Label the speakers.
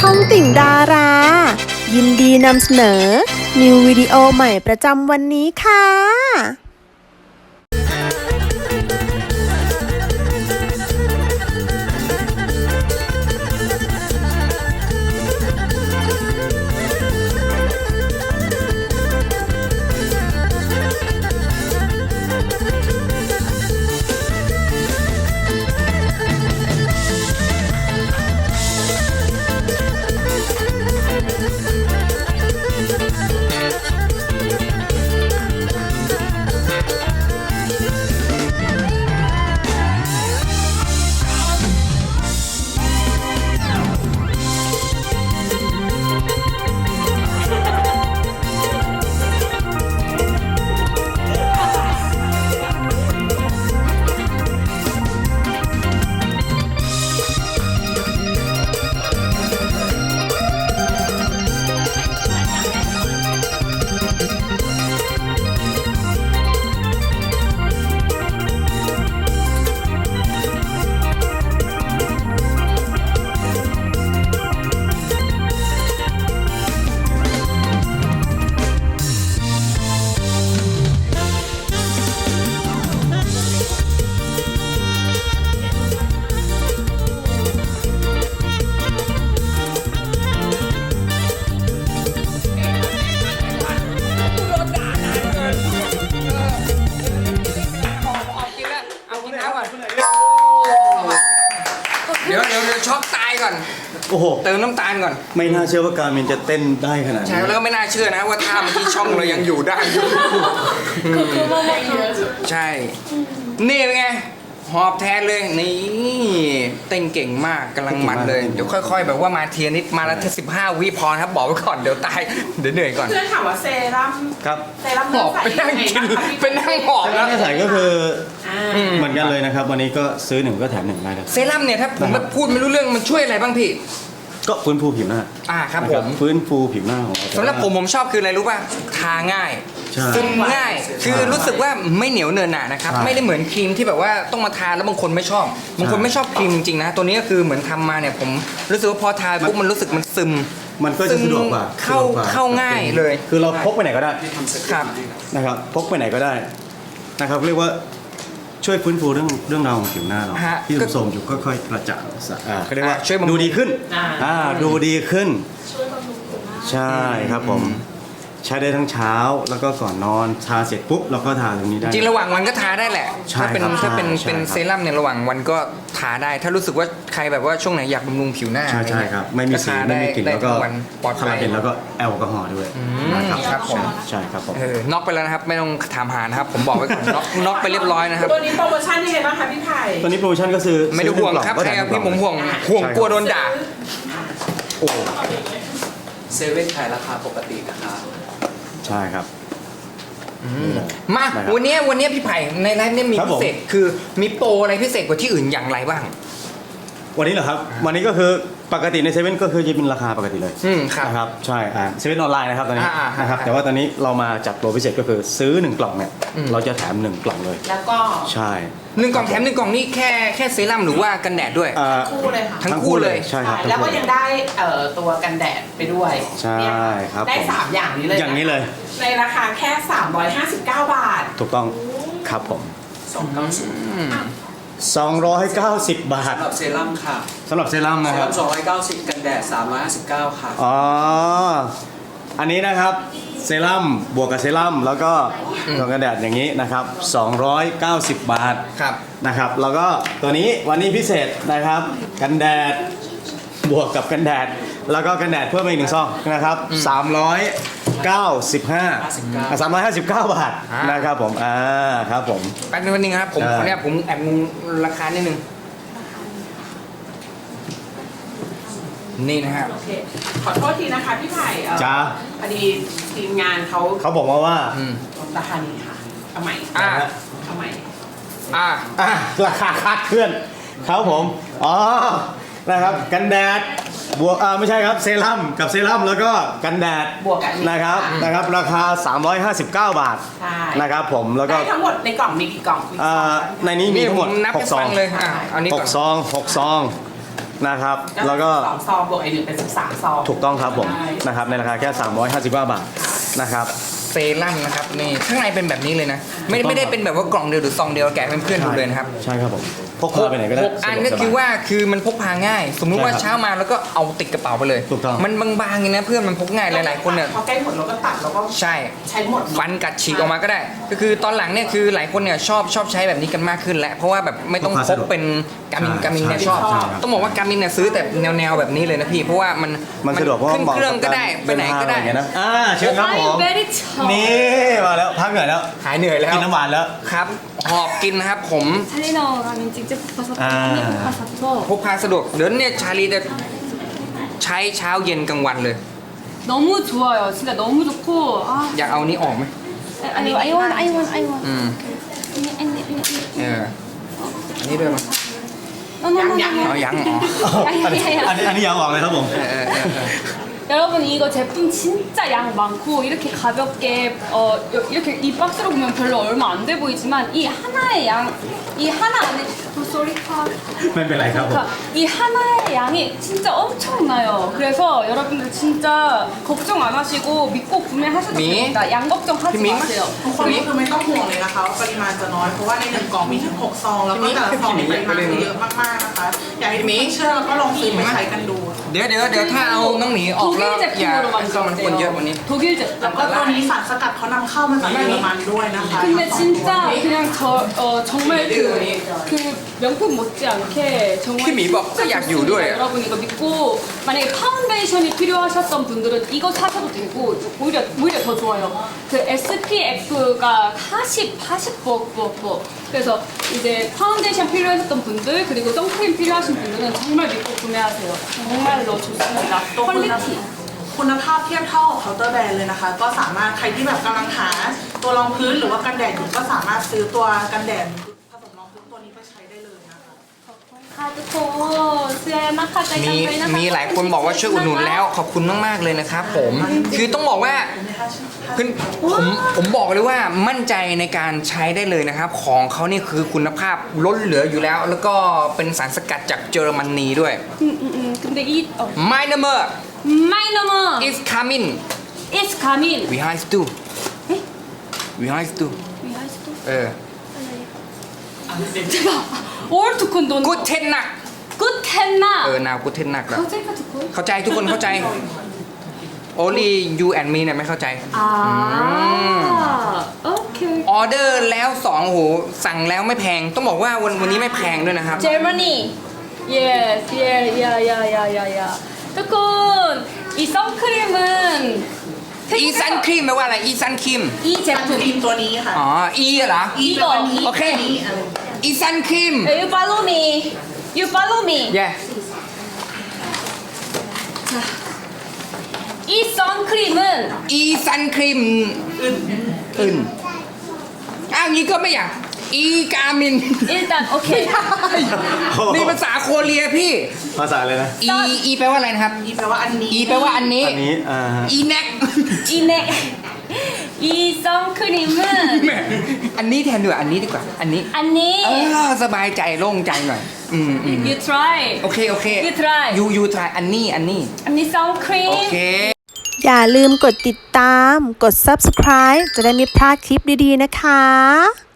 Speaker 1: องติ่งดารา ยินดีนำเสนอ นิววิดีโอใหม่ประจำวันนี้ค่ะ
Speaker 2: เดี๋ยวช็อกตายก่อน
Speaker 3: โอ้โห
Speaker 2: เติมน้ำตาลก่อน
Speaker 3: ไม่น่าเชื่อว่าการมินจะเต้นได้ขนาดนี้
Speaker 2: ใช่แล้วก็ไม่น่าเชื่อนะว่าท่าเมื่อกี้ช่องเรายังอยู่ได้อยู่ใช่นี่เป็นไงหอบแทนเลยนี่เต้นเก่งมากกำลังมันเลยเดี๋ยวค่อยๆแบบว่ามาเทียนิดมาละแค่15 วิพอครับบอกไว้ก่อนเดี๋ยวตายเดี๋ยวเหนื่อยก่อน
Speaker 4: เพื่อนถามว่าเซรั่ม
Speaker 3: ครับ
Speaker 2: หอบไปนั่งกินไปนั่งหอบ
Speaker 3: แล้
Speaker 2: แล้ว ว
Speaker 3: ใส่ก็คือเหมือนกันเลยนะครับ วันนี้ก็ซื้อหนึ่งก็แถมหนึ่งได้ครับ
Speaker 2: เซรั่มเนี่ยถ้าผมพูดไม่รู้เรื่องมันช่วยอะไรบ้างพี่
Speaker 3: ก็ฟื้นฟูผิวหน้า
Speaker 2: ครับ
Speaker 3: นะ
Speaker 2: ผม
Speaker 3: ฟื้นฟูผิวหน้าของเรา
Speaker 2: สำหรับผมชอบคืออะไรรู้ป่ะทาง่าย
Speaker 3: ใช่
Speaker 2: ซึมง่ายคือรู้สึกว่าไม่เหนียวเนินหนานะครับ
Speaker 3: ใช่
Speaker 2: ไม่ได้เหมือนครีมที่แบบว่าต้องมาทาแล้วบางคนไม่ชอบบางคนไม่ชอบครีมจริงๆนะตัวนี้ก็คือเหมือนทำมาเนี่ยผมรู้สึกว่าพอทาปุ๊บมันรู้สึกมันซึม
Speaker 3: มันก็จะสะดวกกว่า
Speaker 2: เข้าง่ายเลย
Speaker 3: คือเราพกไปไหนก็ได้
Speaker 2: ครับ
Speaker 3: นะครับพกไปไหนก็ได้นะครับเรียกว่าช่วยฟื้นฟูเรื่องราวของผิวหน้าเรา
Speaker 2: ฮะ
Speaker 3: ที่โทรมอยู่ค่อยๆกระจ่างเขาเรียกว่า
Speaker 2: ช่วยบำรุง
Speaker 3: ดูดีขึ้นดูดีขึ้นใช่ครับผมใช้ได้ทั้งเช้าแล้วก็ก่อนนอนทาเสร็จปุ๊บเราก็ทาตรงนี้ได้
Speaker 2: จริงระหว่างวันก็ทาได้แหละ
Speaker 3: ใช่
Speaker 2: ถ้าเป็น
Speaker 3: ครับ
Speaker 2: ถ้าเป็น
Speaker 3: ใช่
Speaker 2: เป็น
Speaker 3: ครับ
Speaker 2: เซรั่มเนี่ยระหว่างวันก็ทาได้ ถ้ารู้สึกว่าใครแบบว่าช่วงไหนอยากบำรุงผิวหน้า
Speaker 3: ใช่ใช่ครับไม่มีสี
Speaker 2: ทา
Speaker 3: ไม่มีกลิ่น
Speaker 2: ได้
Speaker 3: แล้วก็
Speaker 2: ทั้งวันปลอด
Speaker 3: คา
Speaker 2: ภั
Speaker 3: ราย เบนแล้วก็แอลกอฮอล์ด้วยนะครับ
Speaker 2: ครับผม
Speaker 3: ใช่ครับผม
Speaker 2: น็อกไปแล้วนะครับไม่ต้องถามหานะครับผมบอกไว้ก่อนน็อกไปเรียบร้อยนะครับ
Speaker 4: ตัวนี้โปรโมชั่นยังไงบ้างคะพี่ไผ่
Speaker 3: ตอนนี้โปรโมชั่นก็คือ
Speaker 2: ไม่ได้ห่วงครับ
Speaker 3: ซื้อ
Speaker 2: ใคร
Speaker 3: หนึ่
Speaker 2: เอา
Speaker 3: งกล่อง
Speaker 2: พี่ผมห่วง
Speaker 3: ก็แถมหนึ่งกล่อง
Speaker 2: ห่วงกลัวโดนด่า
Speaker 3: โอ้
Speaker 5: เซเว่นขายราคาปกตินะครับ
Speaker 3: ใช่ครับ
Speaker 2: มา
Speaker 3: ได้ครับ
Speaker 2: วันนี้พี่ไผ่ในไลฟ์เนี่ยมี
Speaker 3: ครับ
Speaker 2: พิ
Speaker 3: ผม
Speaker 2: เศษคือมีโปรอะไรพิเศษกว่าที่อื่นอย่างไรบ้าง
Speaker 3: วันนี้เหรอครับ วันนี้ก็คือปกติในเซเว่นก็คือจะเป็นราคาปกติเลย
Speaker 2: ครับ
Speaker 3: นะครับใช่เซเว่นออนไลน์นะครับตอนนี้ นะครับ
Speaker 2: อ่า
Speaker 3: แต่ว่าตอนนี้เรามาจัดโปรพิเศษก็คือซื้อ1กล่องเนี่ยเราจะแถม1กล่องเลย
Speaker 4: แล้วก็
Speaker 3: ใช่
Speaker 2: หนึ่งกล่องแถมหนึ่งกล่องนี่แค่เซรั่มหรือว่ากันแดดด้วย
Speaker 4: คู่เลยค่ะ
Speaker 2: ทั้งคู่เลย
Speaker 3: ใช่ครับ
Speaker 4: แล้วก็
Speaker 3: ทั้งคู่
Speaker 4: ยังได้ตัวกันแดดไปด้วย
Speaker 3: ใช่
Speaker 4: เนี่ย
Speaker 3: ครับ
Speaker 4: ได้
Speaker 3: ผม
Speaker 4: 3 อย่างนี้เลย
Speaker 3: อย่างนี้เลย
Speaker 4: ในราคาแค่ 359 บาท
Speaker 3: ถูกต้องครับผม
Speaker 5: 290
Speaker 3: 290 บาท
Speaker 5: สำหรับเซรั่มค่ะ
Speaker 3: สำหรับเซรั่ม
Speaker 5: เซ
Speaker 3: นะครับ
Speaker 5: รั่ม290 กันแดด 359 ค่ะ
Speaker 3: อ๋อ อันนี้นะครับเซรั่มบวกกับเซรั่มแล้วก็ตัวกันแดดอย่างนี้นะครับ290 บาท
Speaker 2: ครับ
Speaker 3: นะครับแล้วก็ตัวนี้วันนี้พิเศษนะครับกันแดดบวกกับกันแดดแล้วก็กันแดดเพิ่มมาอีก1 ซองนะครับ359 บาทนะครับผมครับผม
Speaker 2: แป๊บนึงนะครับผมขออนุญาตผมแอบงงราคานิดนึงนี่นะฮะ
Speaker 4: โอเค ขอโทษทีนะคะพี่ไผ่
Speaker 3: จ้า
Speaker 4: พอดีทีมงานเขา
Speaker 3: เขาบอกมาว่า
Speaker 4: ราคานี้ค่ะเอาใหม่
Speaker 2: อ่า
Speaker 4: เอาใหม่
Speaker 3: ราคาคาดเคลื่อนครับผมอ๋อนะครับกันแดดบวกไม่ใช่ครับเซรั่มกับเซรั่มแล้วก็กันแดด
Speaker 4: บวกกันอีก
Speaker 3: นะครับราคา 359 บาท
Speaker 4: ใช่
Speaker 3: นะครับผมแล้วก็
Speaker 4: ได้ทั้งหมดในกล่องมีกี่กล่องมี
Speaker 3: ในนี้มี
Speaker 2: นี่
Speaker 3: ทั้
Speaker 2: ผ
Speaker 3: งหม
Speaker 2: ม
Speaker 3: ด
Speaker 2: นับให้
Speaker 3: 6 ซอ
Speaker 2: ฟั
Speaker 3: ง
Speaker 2: งเลยอันนี้ก่อน
Speaker 3: 6 ซองนะครับแล้วก็
Speaker 4: 2 ซองบวกไอ1เป็น13 ซอง
Speaker 3: ถูกต้องครับผม
Speaker 4: ใช่
Speaker 3: นะครับในราคาแค่359 บาทนะครับ
Speaker 2: เซรั่มนะครับนี่ข้างในเป็นแบบนี้เลยนะ ไม่ได้เป็นแบบว่ากล่องเดียวหรือซองเดียวแกะเป็นเพื่อนๆดูเลยนะครับ
Speaker 3: ใช่ครับผมพกพาไปไหนก็ได้
Speaker 2: 6 อันก็คือว่าคือมันพกพาง่าย สมมุติว่า
Speaker 3: ใช่ครับ
Speaker 2: เช้ามาแล้วก็เอาติดกระเป๋าไปเลย
Speaker 3: ถูกต้อง
Speaker 2: มันบางๆอย่างนี้นะเพื่อนมันพกง่ายหลายๆคนเนี่ย
Speaker 4: พอใกล้หมดเราก็ตัดแล้วก็
Speaker 2: ใช่
Speaker 4: ใช้หมด
Speaker 2: ฟันกัดฉีกออกมาก็ได้ ก็คือตอนหลังเนี่ยคือหลายคนเนี่ยชอบใช้แบบนี้กันมากขึ้นแล้วเพราะว่าแบบไม่ต้องพกเป็นกามินเนี่ยชอบ
Speaker 3: ใช่ครับ
Speaker 2: ต้องบอกว่ากามินเนี่ยซื้อแต่แนวแบบนี้เลยนะพี่เพราะว่ามัน
Speaker 3: สะดวกเพราะว่า
Speaker 2: ขึ้น
Speaker 3: เหมาะ
Speaker 2: เครื่อง
Speaker 3: กับ
Speaker 2: ก็ได้ไปไหนก็ได้
Speaker 3: เนทางอะรอย่างเงี้ยนะเชิญครับผม
Speaker 6: very chop.
Speaker 3: นี่มาแล้วพักเหนื่อยแล้ว
Speaker 2: หายเหนื่อยแล้ว
Speaker 3: กินน้ำหวานแล้ว
Speaker 2: ครับหอบกินนะครับผม
Speaker 6: 찰리나오 가면 직접 가서
Speaker 3: 아.
Speaker 6: 가서
Speaker 2: พกพาสะดวกเดี๋ยวเนี่ยชาลีจะใช้เช้าเย็นกลางวันเลย
Speaker 6: 너무 좋아요. 진짜 너무 좋고 아
Speaker 2: อยากเอานี้ออกไหม
Speaker 6: 아니 I want
Speaker 2: อืม
Speaker 6: 아니
Speaker 2: เอออันนี้ด้วยมั้ย
Speaker 6: no
Speaker 2: เอายังอ๋อ
Speaker 3: อันนี้ยาวออกเลยครับผม
Speaker 6: 여러분 이거 제품 진짜 양 많고 이렇게 가볍게 이렇게 이 박스로 보면 별로 얼마 안 돼 보이지만 이 하나의 이 하나 안에 sorry
Speaker 3: ไม่เป็นไรครับผม
Speaker 6: 그러니까 이 하나의 양이 진짜 엄청나요. 그래서 여러분들 진짜 걱정 안 하시고 믿고 구매하셔도
Speaker 2: 미?
Speaker 6: 됩니다. 양 걱정하지
Speaker 2: 미?
Speaker 6: 마세요.
Speaker 4: ทุกคนก็คือไม่ต้องห่วงเลยนะคะว่าปริมาณจะน้อยเพราะว่าใน1 กล่องมีถึง 6 ซอง แล้วก็แต่ละซองมีปริมาณที่เยอะมากๆนะคะอยากให้ทุกคนเชื่อแล้วก็ลองซื้อไปใช้กันดู
Speaker 2: เดี๋ยวถ้าเอาน้องหมีออกแล้ว
Speaker 6: 독일
Speaker 2: อย่า
Speaker 6: 제품으로
Speaker 2: ให้มันคนเยอะกว่านี้
Speaker 6: 만들었대요. 독일
Speaker 4: แล้วก็
Speaker 6: 제품.
Speaker 4: ตัวนี้สารสกัดเขานำเข้ามาจากเยอรมันด้วยนะคะ
Speaker 6: 근데 진짜 그냥 정말 그 명품 못지않게 정말
Speaker 2: 킴이 막
Speaker 6: 진짜
Speaker 2: 약
Speaker 6: 좋습니다.
Speaker 2: 요도예요.
Speaker 6: 여러분 이거 믿고 만약에 파운데이션이 필요하셨던 분들은 이거 사셔도 되고 오히려 더 좋아요. 그 SPF가 40 그래서 이제 파운데이션 필요하셨던 분들 그리고 선크림 필요하신 분들은 정말 믿고 구매하세요. 정말로 좋습니다. 퀄리티.
Speaker 4: คุณภาพเทียบเท่ากับเคาน์เตอร์แบรนด์เลยนะคะ ก็สามารถใครที่แบบกำลังหาตัวรองพื้นหรือว่ากันแดดอยู่ก็สามารถซื้อตัวกันแดดผสมรองพื้นตัวนี้ไปใช้ได้เลยนะคะ
Speaker 2: มีหลายคนบอกว่าช่วยอุดหนุนแล้วขอบคุณมากๆเลยนะครับผมคือต้องบอกว่าคือผมบอกเลยว่ามั่นใจในการใช้ได้เลยนะครับ ของเขานี่คือคุณภาพล้นเหลืออยู่แล้ว แล้วก็เป็นสารสกัดจากเยอรมนีด้วย
Speaker 6: 근데 이
Speaker 2: My number
Speaker 6: My number
Speaker 2: is coming
Speaker 6: is coming.
Speaker 2: we have to we have to เออ
Speaker 6: All to condone.
Speaker 2: กูเทนหนัก
Speaker 6: Good tenna.
Speaker 2: นาวกูเทนหนักแล้ว
Speaker 6: 거제가 듣고.
Speaker 2: เข้าใจทุกคนเข้าใจ only you and me เนี่ยไม่เข้าใจ
Speaker 6: 오케이.
Speaker 2: ออเดอร์แล้ว2โหสั่งแล้วไม่แพง ต้องบอกว่าวันนี้ไม่แพงด้วยนะครับ
Speaker 6: Germany. Yes, yeah. 조금 이 선크림은
Speaker 2: อีซันครีมแปลว่าอะไรอีซันครีม
Speaker 6: 이
Speaker 4: ซันครี
Speaker 6: 제품.
Speaker 4: มตัวนี้ค่ะ
Speaker 2: อ๋ออีเหรอ
Speaker 4: อีตัวนี้
Speaker 2: โอเค
Speaker 4: นี้อะไร
Speaker 2: อีซันครีม
Speaker 6: You follow me. You follow me.
Speaker 2: เย่
Speaker 6: 이 선크림은
Speaker 2: อีซันครีมอื่นอ้าวงี้ก็ไม่อยากอีกามิน
Speaker 6: 일단 오케이.
Speaker 2: นี่ภาษาโคเรียพี่
Speaker 3: ภาษาอะไรนะ
Speaker 2: อีแปลว่าอะไรนะครับ
Speaker 4: อีแปลว่าอันนี้
Speaker 2: อีแปลว่าอันนี้
Speaker 3: อันนี้ฮะ
Speaker 2: อีแน็ก
Speaker 6: 이네. 이 선크림은
Speaker 2: แหมอันนี้แทนดีกว่าอันนี้ดีกว่า อันนี้
Speaker 6: 언니.
Speaker 2: สบายใจโล่งใจหน่อย
Speaker 6: You try.
Speaker 2: โอเค
Speaker 6: You try.
Speaker 2: you try อันนี้
Speaker 6: 언니 선크림.
Speaker 2: โอเค
Speaker 1: อย่าลืมกดติดตาม กด subscribe จะได้ไม่พลาดคลิปดีๆนะคะ